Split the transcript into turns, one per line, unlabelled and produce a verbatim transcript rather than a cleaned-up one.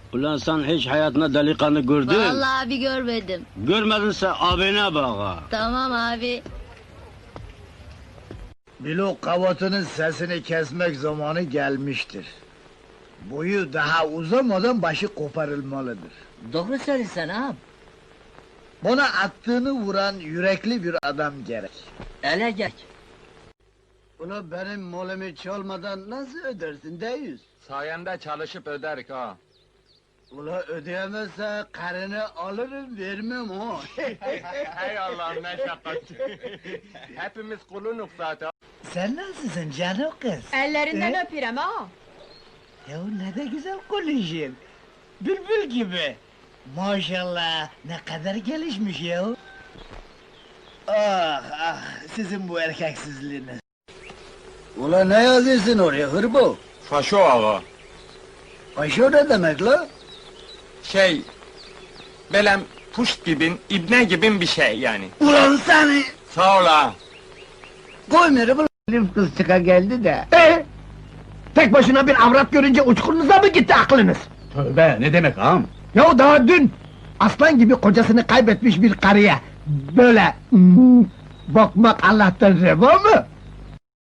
Ulan sen hiç hayatında delikanlı gördün?
Vallahi abi görmedim.
Görmedinse abine bak ha.
Tamam abi.
Bilo kavatının sesini kesmek zamanı gelmiştir. Boyu daha uzamadan başı koparılmalıdır.
Doğru söylesen ağam.
Bana attığını vuran yürekli bir adam gerek.
Ele geç.
Ula benim molemi çalmadan nasıl ödersin deyiz?
Sayende çalışıp öderik ha.
Ula ödeyemezse karını alırım vermem ha.
Hey Allah'ım ne şakacı. Hepimiz kulunuk zaten.
Sen nasılsın canım kız?
Ellerinden
Ee?
öpürem ha.
Ya ne de güzel konuşuyorsun. Bülbül gibi. Maşallah ne kadar gelişmiş ya. Ah ah sizin bu erkeksizliğiniz. Ula ne yazıyorsun oraya hırbo?
Faşo ağa.
Aşağı ne demek la?
Şey... Belem puşt gibin, ibne gibin bir şey yani.
Ulan seni!
Sağ ol ağa.
Koy beni bu Elif kız çıka geldi de. Ee? Tek başına bir avrat görünce uçkurunuza mı gitti aklınız?
Tövbe ne demek ağam?
Ya daha dün aslan gibi kocasını kaybetmiş bir karıya böyle hmm, bakmak Allah'tan reva mı?